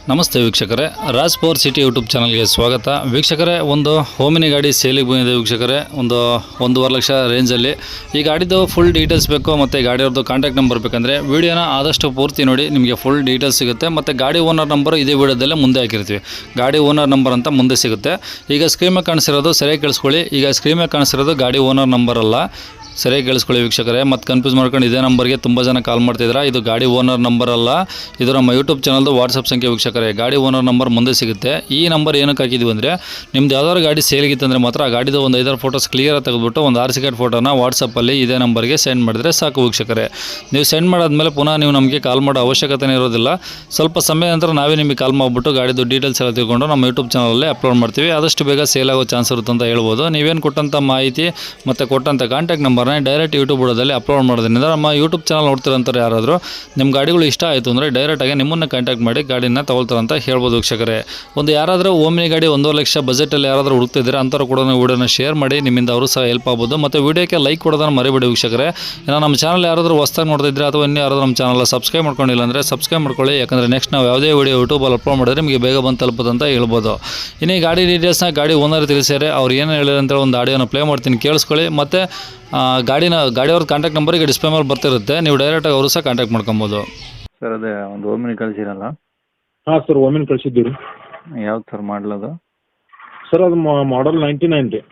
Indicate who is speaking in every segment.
Speaker 1: ನಮಸ್ತೆ ವೀಕ್ಷಕರೇ, Raj power city YouTube ಚಾನಲ್ಗೆ ಸ್ವಾಗತ. ವೀಕ್ಷಕರೇ, ಒಂದು ಓಮಿನಿ ಗಾಡಿ ಸೇಲಿಗೆ ಬಂದಿದೆ ವೀಕ್ಷಕರೇ. 1.5 ಲಕ್ಷ ರೇಂಜಲ್ಲಿ ಈ ಗಾಡಿದು ಫುಲ್ ಡೀಟೇಲ್ಸ್ ಬೇಕು ಮತ್ತು ಗಾಡಿಯವ್ರದ್ದು ಕಾಂಟ್ಯಾಕ್ಟ್ ನಂಬರ್ ಬೇಕಂದರೆ ವೀಡಿಯೋನ ಆದಷ್ಟು ಪೂರ್ತಿ ನೋಡಿ, ನಿಮಗೆ ಫುಲ್ ಡೀಟೇಲ್ಸ್ ಸಿಗುತ್ತೆ. ಮತ್ತು ಗಾಡಿ ಓನರ್ ನಂಬರು ಇದೇ ವೀಡಿಯೋದಲ್ಲೇ ಮುಂದೆ ಹಾಕಿರ್ತೀವಿ. ಗಾಡಿ ಓನರ್ ನಂಬರ್ ಅಂತ ಮುಂದೆ ಸಿಗುತ್ತೆ. ಈಗ ಸ್ಕ್ರೀನ್ ಮೇಲೆ ಕಾಣಿಸಿರೋದು ಸರಿಯಾಗಿ ಕೇಳಿಸ್ಕೊಳ್ಳಿ. ಈಗ ಸ್ಕ್ರೀನ್ ಮೇಲೆ ಕಾಣಿಸಿರೋದು ಗಾಡಿ ಓನರ್ ನಂಬರ್ ಅಲ್ಲ, ಸರಿಯಾಗಿ ಕೇಳಿಸ್ಕೊಳ್ಳಿ ವೀಕ್ಷಕರೇ. ಮತ್ತು ಕನ್ಫ್ಯೂಸ್ ಮಾಡ್ಕೊಂಡು ಇದೇ ನಂಬರ್ಗೆ ತುಂಬ ಜನ ಕಾಲ್ ಮಾಡ್ತಿದ್ದೀರಾ. ಇದು ಗಾಡಿ ಓನರ್ ನಂಬರ್ ಅಲ್ಲ, ಇದು ನಮ್ಮ ಯೂಟ್ಯೂಬ್ ಚಾನಲ್ದು ವಾಟ್ಸಪ್ ಸಂಖ್ಯೆ ವೀಕ್ಷಕರೇ. ಗಾಡಿ ಓನರ್ ನಂಬರ್ ಮುಂದೆ ಸಿಗುತ್ತೆ. ಈ ನಂಬರ್ ಏನಕ್ಕೆ ಹಾಕಿದ್ವಿ ಅಂದರೆ, ನಿಮ್ದು ಯಾವ್ದಾದ್ರು ಗಾಡಿ ಸೇಲ್ಗಿತ್ತಂದರೆ ಮಾತ್ರ ಆ ಗಾಡಿದು ಒಂದು 5-6 ಫೋಟೋಸ್ ಕ್ಲಿಯರಾಗಿ ತೆಗೆದುಬಿಟ್ಟು ಒಂದು RC ಕಾರ್ಡ್ ಫೋಟೋನ ವಾಟ್ಸಪ್ಪಲ್ಲಿ ಇದೇ ನಂಬರ್ಗೆ ಸೆಂಡ್ ಮಾಡಿದ್ರೆ ಸಾಕು ವೀಕ್ಷಕರೇ. ನೀವು ಸೆಂಡ್ ಮಾಡಾದ್ಮೇಲೆ ಪುನಃ ನೀವು ನಮಗೆ ಕಾಲ್ ಮಾಡೋ ಅವಶ್ಯಕತೆ ಇರೋದಿಲ್ಲ. ಸ್ವಲ್ಪ ಸಮಯ ನಂತರ ನಾವೇ ನಿಮಗೆ ಕಾಲ್ ಮಾಡಿಬಿಟ್ಟು ಗಾಡಿದು ಡೀಟೇಲ್ಸ್ ಎಲ್ಲ ತಿಳ್ಕೊಂಡು ನಮ್ಮ ಯೂಟ್ಯೂಬ್ ಚಾನಲಲ್ಲಿ ಅಪ್ಲೋಡ್ ಮಾಡ್ತೀವಿ. ಆದಷ್ಟು ಬೇಗ ಸೇಲ್ ಆಗೋ ಚಾನ್ಸ್ ಇರುತ್ತೆ ಅಂತ ಹೇಳ್ಬೋದು. ನೀವೇನು ಕೊಟ್ಟಂಥ ಮಾಹಿತಿ ಮತ್ತು ಕೊಟ್ಟಂಥ ಕಾಂಟ್ಯಾಕ್ಟ್ ನಂಬರ್ನ ಡೈರೆಕ್ಟ್ ಯೂಟ್ಯೂಬ್ ಬುಡದಲ್ಲಿ ಅಪ್ಲೋಡ್ ಮಾಡೋದ್ರಿಂದ ನಮ್ಮ ಯೂಟ್ಯೂಬ್ ಚಾನಲ್ ನೋಡ್ತಿರೋಂಥವ್ರು ಯಾರಾದರೂ ನಿಮ್ಮ ಗಾಡಿಗಳು ಇಷ್ಟ ಆಯಿತು ಅಂದರೆ ಡೈರೆಕ್ಟಾಗಿ ನಿಮ್ಮನ್ನು ಕಾಂಟ್ಯಾಕ್ಟ್ ಮಾಡಿ ಗಾಡಿನ ತಗೊಳ್ತಾರೆ ಅಂತ ಹೇಳ್ಬೋದು ವೀಕ್ಷಕರೇ. ಯಾರಾದರೂ ಓಮಿನಿ ಗಾಡಿ 1.5 ಲಕ್ಷ ಬಜೆಟಲ್ಲಿ ಯಾರಾದರೂ ಹುಡುಕ್ತಿದ್ರೆ ಅಂಥವ್ರು ಕೂಡ ವೀಡಿಯೋನ ಶೇರ್ ಮಾಡಿ, ನಿಮ್ಮಿಂದ ಅವರು ಸಹ ಹೆಲ್ಪ್ ಆಗ್ಬೋದು. ಮತ್ತು ವೀಡಿಯೋಕ್ಕೆ ಲೈಕ್ ಕೊಡೋದನ್ನು ಮರಿಬೇಡಿ ವೀಕ್ಷಕರೇ. ಇನ್ನು ನಮ್ಮ ಚಾನಲ್ ಯಾರಾದರೂ ಹೊಸ್ದಾಗಿ ನೋಡ್ತಿದ್ರೆ ಅಥವಾ ಇನ್ನೂ ಯಾರಾದರೂ ನಮ್ಮ ಚಾನಲ್ ಸಬ್ಸ್ಕ್ರೈಬ್ ಮಾಡ್ಕೊಂಡಿಲ್ಲ ಅಂದರೆ ಸಬ್ಸ್ಕ್ರೈಬ್ ಮಾಡ್ಕೊಳ್ಳಿ. ಯಾಕಂದರೆ ನೆಕ್ಸ್ಟ್ ನಾವು ಯಾವುದೇ ವೀಡಿಯೋ ಯೂಟ್ಯೂಬಲ್ಲಿ ಅಪ್ಲೋಡ್ ಮಾಡಿದ್ರೆ ನಿಮಗೆ ಬೇಗ ಬಂದು ತಲುಪೋದು ಅಂತ ಹೇಳ್ಬೋದು. ಇನ್ನು ಈ ಗಾಡಿ ಡೀಟೇಲ್ಸ್ನ ಗಾಡಿ ಓನರ್ ತಿಳಿಸ್ಯಾರೆ. ಅವ್ರು ಏನು ಹೇಳಿದ್ರು ಅಂತೇಳಿ ಒಂದು ಆಡಿಯೋನ ಪ್ಲೇ ಮಾಡ್ತೀನಿ, ಕೇಳಿಸ್ಕೊಳ್ಳಿ. ಮತ್ತು ಗಾಡಿಯವ್ರ ಕಾಂಟ್ಯಾಕ್ಟ್ ನಂಬರ್ ಈಗ ಡಿಸ್ಪ್ಲೇ ಮೇಲೆ ಬರ್ತಿರುತ್ತೆ, ನೀವು ಡೈರೆಕ್ಟಾಗಿ ಅವರು ಸಹ ಕಾಂಟ್ಯಾಕ್ಟ್ ಮಾಡ್ಕೊಬೋದು.
Speaker 2: ಸರ್ ಅದೇ ಒಂದು ಓಮಿನಿ ಕಳಿಸಿರಲ್ಲ?
Speaker 3: ಹಾಂ ಸರ್, ಓಮಿನಿ ಕಳಿಸಿದ್ದೀವಿ ರೀ.
Speaker 2: ಯಾವ್ದು ಸರ್ ಮಾಡಲದು?
Speaker 3: ಸರ್ ಅದು ಮಾಡಲ್ 99 ರೀ.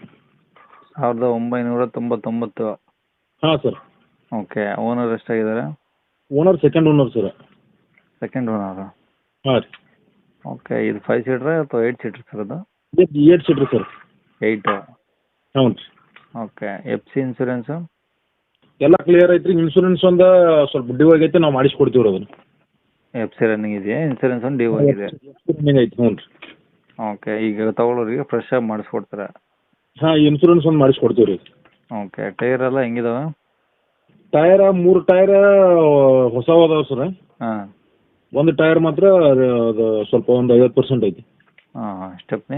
Speaker 2: 1999.
Speaker 3: ಹಾಂ ಸರ್.
Speaker 2: ಓಕೆ, ಓನರ್ ಎಷ್ಟಾಗಿದ್ದಾರೆ?
Speaker 3: Owner second owner sir.
Speaker 2: Second owner.
Speaker 3: ಹಾಂ ರೀ.
Speaker 2: ಓಕೆ, ಇದು 5 ಸೀಟ್ರಾ ಅಥವಾ 8 ಸೀಟ್ರ್ ಸರ್ ಅದು?
Speaker 3: 8 ಸೀಟ್ರ್ ಸರ್.
Speaker 2: 8?
Speaker 3: ಹ್ಞೂ ರೀ.
Speaker 2: Okay, FC insurance?
Speaker 3: ಎಲ್ಲ ಕ್ಲಿಯರ್ ಐತೆ ರೀ. ಇನ್ಶೂರೆನ್ಸ್ ಒಂದು ಸ್ವಲ್ಪ ಡ್ಯೂ ಆಗೈತೆ, ನಾವು ಮಾಡಿಸ್ಕೊಡ್ತೀವಿ ರೀ ಅದನ್ನು.
Speaker 2: FC ರನ್ನಿಂಗ್ ಇದೆಯಾ? ಇನ್ಸೂರೆನ್ಸ್ ಒಂದು ಡ್ಯೂ ಆಗಿದೆ?
Speaker 3: ರನ್ನಿಂಗ್ ಐತೆ. ಹ್ಞೂ ರೀ.
Speaker 2: ಓಕೆ, ಈಗ ತಗೊಳ್ಳೋರಿಗೆ ಫ್ರೆಶ್ ಆಗಿ ಮಾಡಿಸ್ಕೊಡ್ತಾರೆ?
Speaker 3: ಹಾಂ, ಇನ್ಶೂರೆನ್ಸ್ ಒಂದು ಮಾಡಿಸ್ಕೊಡ್ತೀವಿ ರೀ.
Speaker 2: ಓಕೆ, ಟೈರ್ ಎಲ್ಲ ಹೆಂಗಿದಾವೆ?
Speaker 3: ಟೈರ್ 3 ಟೈರ್ ಹೊಸವು ಅದಾವೆ ಸರ್.
Speaker 2: ಹಾಂ.
Speaker 3: ಒಂದು ಟೈರ್ ಮಾತ್ರ ಅದು ಸ್ವಲ್ಪ ಒಂದು 50% ಐತಿ.
Speaker 2: ಹಾಂ, ಸ್ಟೆಪ್ನಿ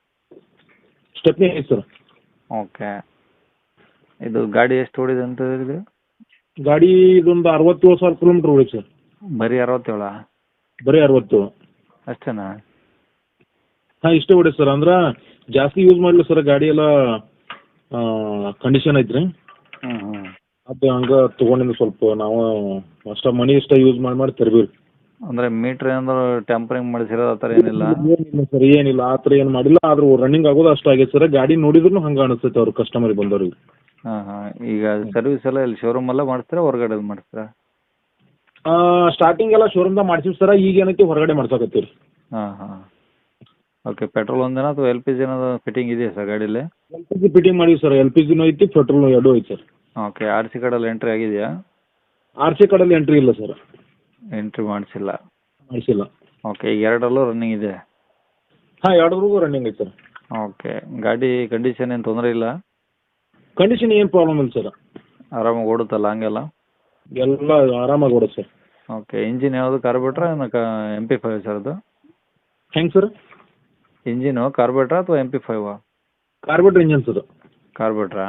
Speaker 3: ಐತೆ ಸರ್.
Speaker 2: ಓಕೆ, ಇದು ಗಾಡಿ ಎಷ್ಟು ಓಡಿದೆ ಅಂತ ಹೇಳಿದ್ರಿ?
Speaker 3: ಗಾಡಿ ಇದೊಂದು 67,000 ಕಿಲೋಮೀಟ್ರ್ ಓಡಿ ಸರ್.
Speaker 2: ಬರೀ 67?
Speaker 3: ಬರೀ 67
Speaker 2: ಅಷ್ಟೇನಾ?
Speaker 3: ಹಾಂ, ಇಷ್ಟೇ ಹೊಡಿ ಸರ್. ಅಂದ್ರೆ ಜಾಸ್ತಿ ಯೂಸ್ ಮಾಡಲಿ ಸರ್. ಗಾಡಿ ಎಲ್ಲ ಕಂಡೀಷನ್ ಐತ್ರಿ.
Speaker 2: ಹ್ಞೂ.
Speaker 3: ಅದು ಹಂಗೆ ತೊಗೊಂಡಿದ್ದು ಸ್ವಲ್ಪ ನಾವು ಅಷ್ಟ ಮನಿ ಇಷ್ಟ ಯೂಸ್ ಮಾಡಿ ತರ್ಬೀವಿ.
Speaker 2: ಅಂದರೆ ಮೀಟ್ರ್ ಏನಾದ್ರು ಟ್ಯಾಂಪರಿಂಗ್ ಮಾಡಿಸಿರೋದು ಆ ಥರ ಏನಿಲ್ಲ?
Speaker 3: ಏನಿಲ್ಲ ಸರ್, ಏನಿಲ್ಲ ಆ ಥರ ಏನು ಮಾಡಿಲ್ಲ. ಆದ್ರೂ ರನ್ನಿಂಗ್ ಆಗೋದು ಅಷ್ಟು ಆಗೈತೆ ಸರ್. ಗಾಡಿ ನೋಡಿದ್ರು ಹಂಗೆ ಅನಿಸ್ತೈತೆ ಅವ್ರು ಕಸ್ಟಮರಿಗೆ ಬಂದವ್ರಿಗೆ.
Speaker 2: ಹಾಂ. ಈಗ ಸರ್ವಿಸ್ ಎಲ್ಲ ಇಲ್ಲಿ ಶೋರೂಮಲ್ಲೇ ಮಾಡಿಸ್ತೀರಾ, ಹೊರಗಡೆ ಮಾಡಿಸ್ತೀರಾ?
Speaker 3: ಸ್ಟಾರ್ಟಿಂಗ್ ಎಲ್ಲ ಶೋರೂಮ್ದಾಗ ಮಾಡ್ಸಿವಿ ಸರ್. ಈಗ ಏನೈತಿ ಹೊರಗಡೆ ಮಾಡ್ಸಕತ್ತೀವಿ ರೀ.
Speaker 2: ಹಾಂ. ಓಕೆ, ಪೆಟ್ರೋಲ್ ಒಂದೇನಾ ಅಥವಾ LPG ಏನಾದ್ರು ಫಿಟ್ಟಿಂಗ್ ಇದೆಯಾ ಸರ್ ಗಾಡೀಲಿ?
Speaker 3: LPG ಫಿಟ್ಟಿಂಗ್ ಮಾಡಿವಿ ಸರ್. LPGನೂ ಐತಿ, ಪೆಟ್ರೋಲ್ ಎರಡೂ ಐತಿ ಸರ್.
Speaker 2: ಓಕೆ, RC ಕಾರ್ಡಲ್ಲಿ ಎಂಟ್ರಿ ಆಗಿದೆಯಾ?
Speaker 3: RC ಕಾರ್ಡಲ್ಲಿ ಎಂಟ್ರಿ ಇಲ್ಲ ಸರ್.
Speaker 2: ಎಂಟ್ರಿ ಮಾಡಿಸಿಲ್ಲ?
Speaker 3: ಮಾಡಿಸಿಲ್ಲ.
Speaker 2: ಓಕೆ, ಈಗ ಎರಡರಲ್ಲೂ ರನ್ನಿಂಗ್ ಇದೆ?
Speaker 3: ಹಾಂ, ಎರಡರಿಗೂ ರನ್ನಿಂಗ್ ಐತೆ ಸರ್.
Speaker 2: ಓಕೆ, ಗಾಡಿ ಕಂಡೀಷನ್ ಏನು ತೊಂದರೆ ಇಲ್ಲ?
Speaker 3: ಕಂಡೀಷನ್ ಏನು ಪ್ರಾಬ್ಲಮ್ ಇಲ್ಲ ಸರ್.
Speaker 2: ಆರಾಮಾಗಿ ಓಡುತ್ತಲ್ಲ ಹಂಗೆಲ್ಲ?
Speaker 3: ಎಲ್ಲ ಆರಾಮಾಗಿ ಓಡುತ್ತೆ ಸರ್.
Speaker 2: ಓಕೆ, ಇಂಜಿನ್ ಯಾವುದು ಕಾರ್ಬೇಟ್ರಾ MP5 ಸರ್ ಅದು?
Speaker 3: ಹೆಂಗೆ ಸರ್?
Speaker 2: ಇಂಜಿನು ಕಾರ್ಬೇಟ್ರಾ ಅಥವಾ MP5?
Speaker 3: Carburettor engine sir.
Speaker 2: ಕಾರ್ಬೇಟ್ರಾ?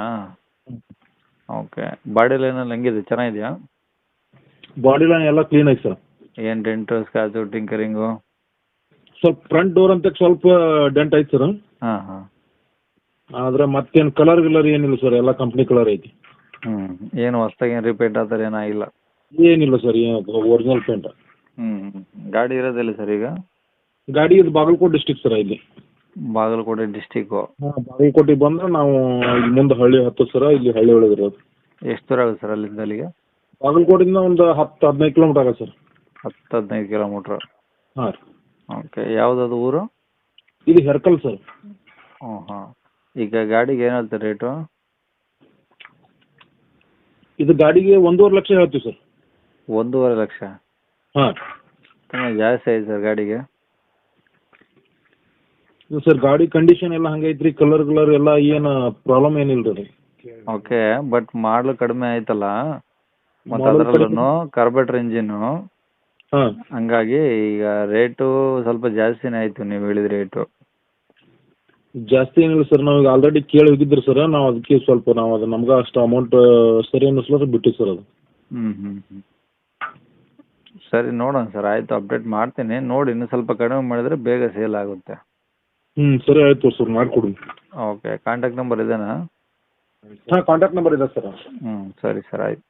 Speaker 2: ಓಕೆ, ಬಾಡಿ ಲೈನಲ್ಲಿ ಹೆಂಗಿದೆ, ಚೆನ್ನಾಗಿದೆಯಾ?
Speaker 3: ಬಾಡಿ ಲೈನ್ ಎಲ್ಲ ಕ್ಲೀನ್ ಐತೆ ಸರ್.
Speaker 2: ಏನು ಡೆಂಟು ಸ್ಕ್ರಾಚು ಟಿಂಕರಿಂಗು?
Speaker 3: ಸ್ವಲ್ಪ ಫ್ರಂಟ್ ಡೋರ್ ಅಂತ ಸ್ವಲ್ಪ ಡೆಂಟ್ ಐತೆ ಸರ್.
Speaker 2: ಹಾಂ.
Speaker 3: ಆದರೆ ಮತ್ತೇನು ಕಲರ್ ಗಿಲರ್ ಏನಿಲ್ಲ ಸರ್. ಎಲ್ಲ ಕಂಪ್ನಿ ಕಲರ್ ಐತಿ.
Speaker 2: ಏನು ಹೊಸ್ದಾಗಿ ಏನು ರಿಪೇಂಟ್ ಆ ಥರ ಏನಾಗಿಲ್ಲ?
Speaker 3: ಏನಿಲ್ಲ ಸರ್, ಒರಿಜಿನಲ್ ಪೇಂಟ್.
Speaker 2: ಗಾಡಿ ಇರೋದಿಲ್ಲ ಸರ್ ಈಗ?
Speaker 3: ಗಾಡಿ ಇದು ಬಾಗಲಕೋಟೆ ಡಿಸ್ಟಿಕ್ ಸರ್. ಇಲ್ಲಿ
Speaker 2: ಬಾಗಲಕೋಟೆ ಡಿಸ್ಟಿಕ್ಕು?
Speaker 3: ಹಾಂ, ಬಾಗಲಕೋಟೆಗೆ ಬಂದ್ರೆ ನಾವು ಇಲ್ಲಿ ಮುಂದೆ ಹಳ್ಳಿ ಹತ್ತು ಸರ. ಇಲ್ಲಿ ಹಳ್ಳಿ ಒಳಗೆ ಇರೋದು.
Speaker 2: ಎಷ್ಟು ದೂರ ಆಗುತ್ತೆ ಸರ್ ಅಲ್ಲಿಂದ ಅಲ್ಲಿಗೆ?
Speaker 3: ಬಾಗಲಕೋಟೆಯಿಂದ ಒಂದು 10-15 ಕಿಲೋಮೀಟ್ರ್ ಆಗುತ್ತೆ ಸರ್.
Speaker 2: 10-15 ಕಿಲೋಮೀಟ್ರ್?
Speaker 3: ಹಾಂ ರೀ.
Speaker 2: ಓಕೆ, ಯಾವುದದು ಊರು?
Speaker 3: ಇದು ಹೆರ್ಕಲ್ ಸರ್.
Speaker 2: ಹಾಂ. ಈಗ ಗಾಡಿಗೆ ಏನು ಹೇಳ್ತಾರೆ ರೇಟು?
Speaker 3: ಇದು ಗಾಡಿಗೆ 1.5 ಲಕ್ಷ ಹೇಳ್ತೀವಿ ಸರ್.
Speaker 2: 1.5 ಲಕ್ಷ?
Speaker 3: ಹಾಂ.
Speaker 2: ತುಂಬ ಜಾಸ್ತಿ ಆಯ್ತು ಸರ್ ಗಾಡಿಗೆ.
Speaker 3: ಇದು ಸರ್ ಗಾಡಿ ಕಂಡೀಷನ್ ಎಲ್ಲ ಹಂಗೈತ್ರಿ. ಕಲರ್ ಎಲ್ಲ ಏನು ಪ್ರಾಬ್ಲಮ್ ಏನಿಲ್ಲ ರೀ.
Speaker 2: ಓಕೆ, ಬಟ್ ಮಾಡಲು ಕಡಿಮೆ ಆಯ್ತಲ್ಲ, ಮತ್ತು ಅದರಲ್ಲೂ ಕಾರ್ಬೇಟ್ರ್ ಇಂಜಿನ್ನು.
Speaker 3: ಹಾಂ.
Speaker 2: ಹಂಗಾಗಿ ಈಗ ರೇಟು ಸ್ವಲ್ಪ ಜಾಸ್ತಿನೇ ಆಯಿತು ನೀವು ಹೇಳಿದ ರೇಟು.
Speaker 3: ಜಾಸ್ತಿ ಏನಿಲ್ಲ ಸರ್. ನಾವು ಈಗ ಆಲ್ರೆಡಿ ಕೇಳಿ ಹೋಗಿದ್ರಿ ಸರ್. ನಾವು ಅದಕ್ಕೆ ಸ್ವಲ್ಪ ಅದು ನಮ್ಗೆ ಅಷ್ಟು ಅಮೌಂಟ್ ಸರಿ ಅನ್ನಿಸ್ಲಾರ ಬಿಟ್ಟಿವಿ ಸರ್ ಅದು.
Speaker 2: ಸರಿ ನೋಡೋಣ ಸರ್, ಆಯಿತು ಅಪ್ಡೇಟ್ ಮಾಡ್ತೀನಿ. ನೋಡಿ ಇನ್ನೂ ಸ್ವಲ್ಪ ಕಡಿಮೆ ಮಾಡಿದರೆ ಬೇಗ ಸೇಲ್ ಆಗುತ್ತೆ.
Speaker 3: ಸರಿ ಆಯಿತು ಸರ್, ಮಾಡಿಕೊಡಿ.
Speaker 2: ಓಕೆ, ಕಾಂಟ್ಯಾಕ್ಟ್ ನಂಬರ್ ಇದೇನಾ?
Speaker 3: ಹಾಂ, ಕಾಂಟ್ಯಾಕ್ಟ್ ನಂಬರ್ ಇದೆ ಸರ್.
Speaker 2: ಸರಿ ಸರ್, ಆಯ್ತು.